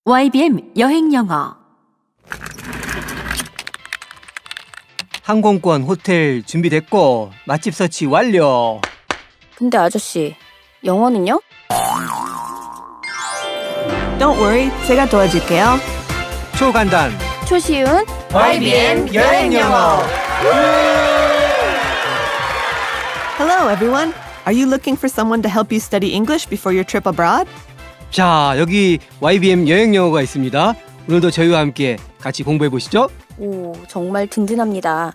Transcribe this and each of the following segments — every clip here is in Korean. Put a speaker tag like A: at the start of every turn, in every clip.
A: YBM 여행영어.
B: 항공권, 호텔 준비됐고 맛집 서치 완료.
C: 근데 아저씨, 영어는요?
D: Don't worry, 제가 도와줄게요.
B: 초간단
C: 초시운
B: YBM 여행영어.
D: Hello, everyone. Are you looking for someone to help you study English before your trip abroad?
B: 자, 여기 YBM 여행영어가 있습니다. 오늘도 저희와 함께 같이 공부해 보시죠.
C: 오, 정말 든든합니다.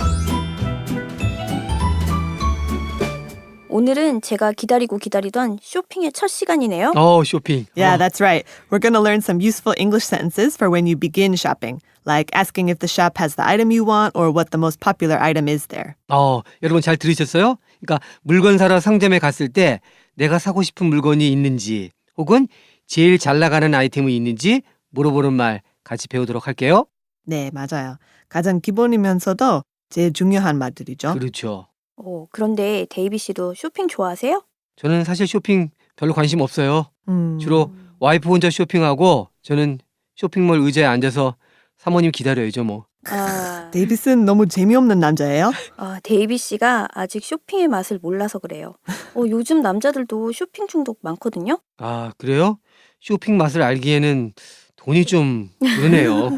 C: 오늘은 제가 기다리던 쇼핑의 첫 시간이네요.
B: 쇼핑.
D: Yeah, that's right. We're going to learn some useful English sentences for when you begin shopping, like asking if the shop has the item you want or what the most popular item is there.
B: 여러분 잘 들으셨어요? 그러니까 물건 사러 상점에 갔을 때 내가 사고 싶은 물건이 있는지 혹은 제일 잘 나가는 아이템이 있는지 물어보는 말 같이 배우도록 할게요.
D: 네, 맞아요. 가장 기본이면서도 제일 중요한 말들이죠.
B: 그렇죠.
C: 그런데 데이비 씨도 쇼핑 좋아하세요?
B: 저는 사실 쇼핑 별로 관심 없어요.
D: 음.
B: 주로 와이프 혼자 쇼핑하고 저는 쇼핑몰 의자에 앉아서 사모님 기다려야죠 뭐.
D: 데이비스는 너무 재미없는 남자예요?
C: 데이비 씨가 아직 쇼핑의 맛을 몰라서 그래요. 요즘 남자들도 쇼핑 중독 많거든요.
B: 그래요? 쇼핑 맛을 알기에는 돈이 좀 그러네요.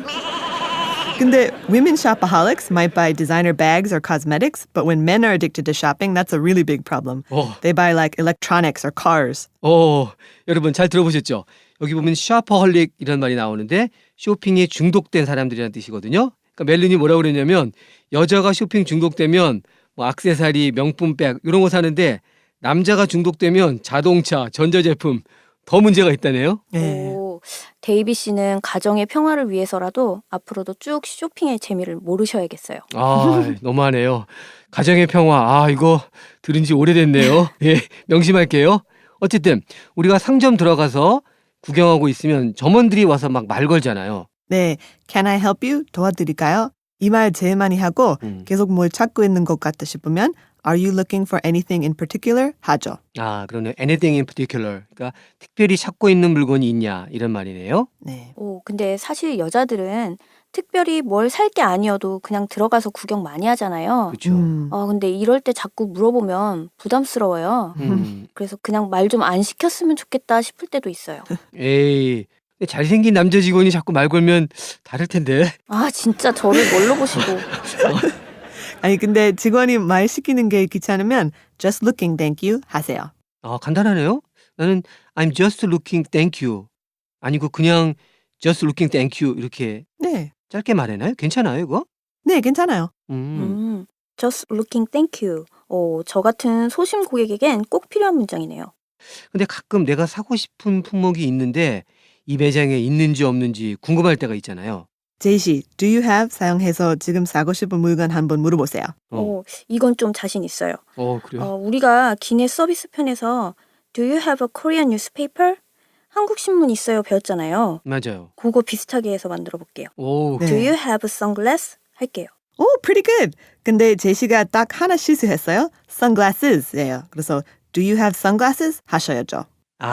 D: 근데 women shopaholics might buy designer bags or cosmetics, but when men are addicted to shopping, that's a really big problem. They buy like electronics or cars.
B: 여러분 잘 들어보셨죠? 여기 보면 샤퍼홀릭 이런 말이 나오는데 쇼핑에 중독된 사람들이라는 뜻이거든요. 그러니까 멜린이 뭐라고 그랬냐면 여자가 쇼핑 중독되면 뭐 액세서리, 명품백 이런 거 사는데 남자가 중독되면 자동차, 전자제품 더 문제가 있다네요.
D: 네.
C: 데이비 씨는 가정의 평화를 위해서라도 앞으로도 쭉 쇼핑의 재미를 모르셔야겠어요.
B: 너무하네요. 가정의 평화. 이거 들은 지 오래됐네요. 예, 명심할게요. 어쨌든 우리가 상점 들어가서 구경하고 있으면 점원들이 와서 막 말 걸잖아요.
D: 네, can I help you? 도와드릴까요? 이 말 제일 많이 하고 계속 뭘 찾고 있는 것 같다 싶으면 Are you looking for anything in particular? 하죠.
B: 그러네. Anything in particular. 그러니까 특별히 찾고 있는 물건이 있냐 이런 말이네요.
D: 네.
C: 근데 사실 여자들은 특별히 뭘 살 게 아니어도 그냥 들어가서 구경 많이 하잖아요.
B: 그렇죠.
C: 근데 이럴 때 자꾸 물어보면 부담스러워요. 그래서 그냥 말 좀 안 시켰으면 좋겠다 싶을 때도 있어요.
B: 에이, 잘생긴 남자 직원이 자꾸 말 걸면 다를 텐데.
C: 진짜 저를 뭘로 보시고.
D: 아니 근데 직원이 말 시키는 게 귀찮으면 just looking, thank you 하세요.
B: 간단하네요. 나는 I'm just looking, thank you. 아니고 그냥 just looking, thank you 이렇게
D: 네.
B: 짧게 말해나요? 괜찮아요 이거?
D: 네, 괜찮아요.
C: Just looking thank you. 저 같은 소심 고객에겐 꼭 필요한 문장이네요.
B: 근데 가끔 내가 사고 싶은 품목이 있는데 이 매장에 있는지 없는지 궁금할 때가 있잖아요.
D: 제이씨, do you have 사용해서 지금 사고 싶은 물건 한번 물어보세요.
C: 이건 좀 자신 있어요.
B: 그래요?
C: 우리가 기내 서비스 편에서 Do you have a Korean newspaper? 한국 신문 있어요 배웠잖아요.
B: 맞아요.
C: 그거 비슷하게 해서 만들어 볼게요.
D: 네.
C: Do you have sunglass? 할게요.
D: 오, pretty good. 근데 제시가 딱 하나 실수했어요. Sunglasses예요. 그래서 do you have sunglasses? 하셔야죠.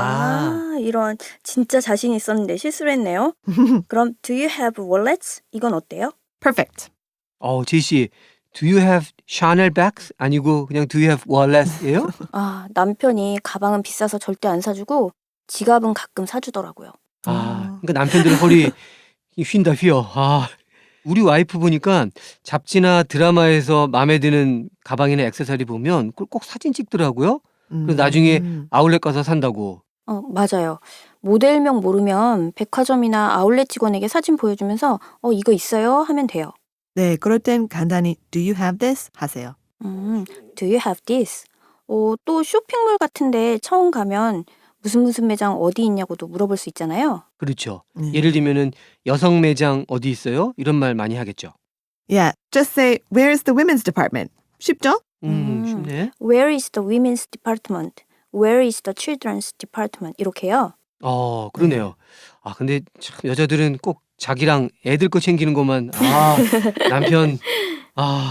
C: 이런 진짜 자신 있었는데 실수를 했네요. 그럼 Do you have wallets? 이건 어때요?
D: Perfect.
B: 제이씨, do you have Chanel bags? 아니고 그냥 do you have wallets예요?
C: 남편이 가방은 비싸서 절대 안 사주고 지갑은 가끔 사주더라고요.
B: 그러니까 남편들 허리 휜다 휘어. 우리 와이프 보니까 잡지나 드라마에서 마음에 드는 가방이나 액세서리 보면 그걸 꼭 사진 찍더라고요. 그래서 나중에 아울렛 가서 산다고.
C: 맞아요. 모델명 모르면 백화점이나 아울렛 직원에게 사진 보여주면서 이거 있어요? 하면 돼요.
D: 네, 그럴 땐 간단히 do you have this? 하세요.
C: Do you have this? 또 쇼핑몰 같은데 처음 가면 무슨 매장 어디 있냐고도 물어볼 수 있잖아요.
B: 그렇죠. 예를 들면은 여성 매장 어디 있어요? 이런 말 많이 하겠죠.
D: Yeah, just say where is the women's department? 쉽죠?
C: Where
B: 쉽네.
C: is the women's department? Where is the children's department? 이렇게요.
B: 그러네요. 근데 참 여자들은 꼭 자기랑 애들 거 챙기는 것만 남편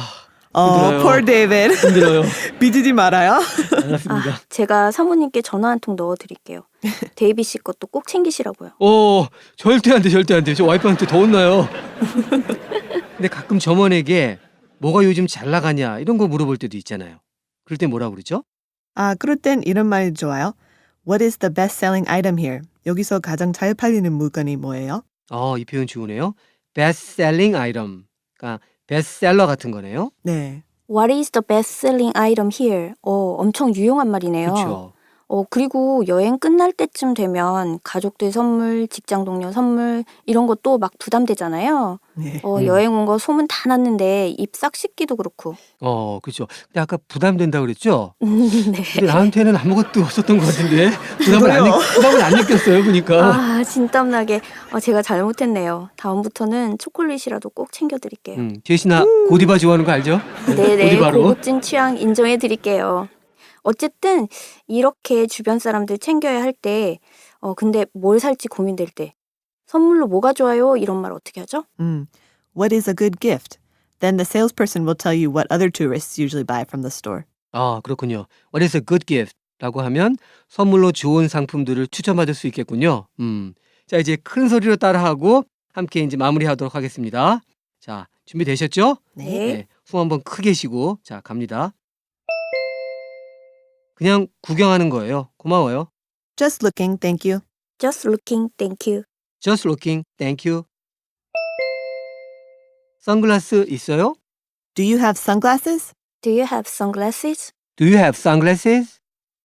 B: 힘들어요.
D: Poor David.
B: 힘들어요.
D: 삐지지 말아요.
B: 알았습니다.
C: 제가 사모님께 전화 한 통 넣어드릴게요. 데이비 씨 것도 꼭 챙기시라고요.
B: 절대 안 돼, 절대 안 돼. 저 와이프한테 더 혼나요. 근데 가끔 점원에게 뭐가 요즘 잘 나가냐 이런 거 물어볼 때도 있잖아요. 그럴 때 뭐라 그러죠?
D: 그럴 땐 이런 말 좋아요. What is the best-selling item here? 여기서 가장 잘 팔리는 물건이 뭐예요?
B: 이 표현 좋으네요. best selling item. 그러니까 베스트셀러 같은 거네요.
D: 네.
C: What is the best-selling item here? 엄청 유용한 말이네요.
B: 그렇죠.
C: 그리고 여행 끝날 때쯤 되면 가족들 선물, 직장 동료 선물 이런 것도 막 부담되잖아요.
D: 네.
C: 여행 온 거 소문 다 났는데 입 싹 씻기도 그렇고.
B: 그렇죠. 근데 아까 부담된다 그랬죠?
C: 네.
B: 근데 나한테는 아무것도 없었던 것 같은데 부담을 안 느꼈어요, 보니까.
C: 진땀나게. 제가 잘못했네요. 다음부터는 초콜릿이라도 꼭 챙겨드릴게요.
B: 제시나 고디바 좋아하는 거 알죠?
C: 네네,
B: 고디바로.
C: 고급진 취향 인정해드릴게요. 어쨌든 이렇게 주변 사람들 챙겨야 할 때, 근데 뭘 살지 고민될 때 선물로 뭐가 좋아요? 이런 말 어떻게 하죠?
D: What is a good gift? Then the salesperson will tell you what other tourists usually buy from the store.
B: 그렇군요. What is a good gift? 라고 하면 선물로 좋은 상품들을 추천받을 수 있겠군요. 자, 이제 큰 소리로 따라하고 함께 이제 마무리하도록 하겠습니다. 자, 준비되셨죠?
C: 네.
B: 숨 한번 크게 쉬고 자, 갑니다. 그냥 구경하는 거예요. 고마워요.
D: Just looking, thank you.
C: Just looking, thank you.
B: Just looking, thank you. 선글라스 있어요?
D: Do you have sunglasses?
C: Do you have sunglasses?
B: Do you have sunglasses?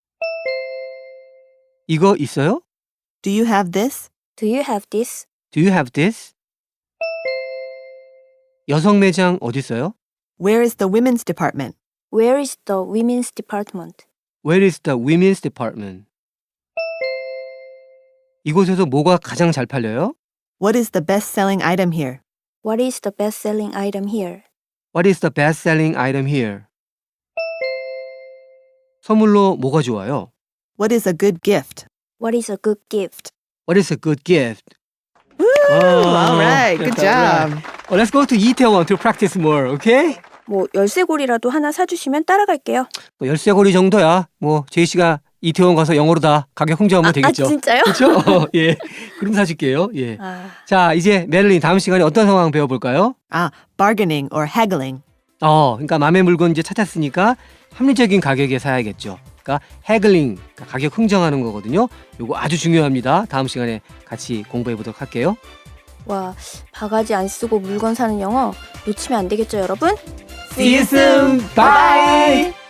B: 이거 있어요?
D: Do you have this?
C: Do you have this?
B: Do you have this? 여성 매장 어디 있어요?
D: Where is the women's department?
C: Where is the women's department?
B: Where is the women's department? 이곳에서 뭐가 가장 잘 팔려요?
D: What is the best-selling item here?
C: What is the best-selling item here?
B: What is the best-selling item here? 선물로 뭐가 좋아요?
D: What is a good gift?
C: What is a good gift?
B: What is a good gift?
D: All right, good job.
B: Let's go to Itaewon to practice more, okay?
C: 열쇠고리라도 하나 사주시면 따라갈게요.
B: 열쇠고리 정도야. 제이씨가 이태원 가서 영어로 다 가격 흥정하면 되겠죠.
C: 진짜요?
B: 그렇죠? 예. 그럼 사줄게요. 예. 자, 이제 메릴린 다음 시간에 어떤 상황 배워볼까요?
D: Bargaining or haggling.
B: 그러니까 맘의 물건 이제 찾았으니까 합리적인 가격에 사야겠죠. 그러니까 해글링, 그러니까 가격 흥정하는 거거든요. 요거 아주 중요합니다. 다음 시간에 같이 공부해 보도록 할게요.
C: 바가지 안 쓰고 물건 사는 영어 놓치면 안 되겠죠, 여러분?
B: See you soon. Bye.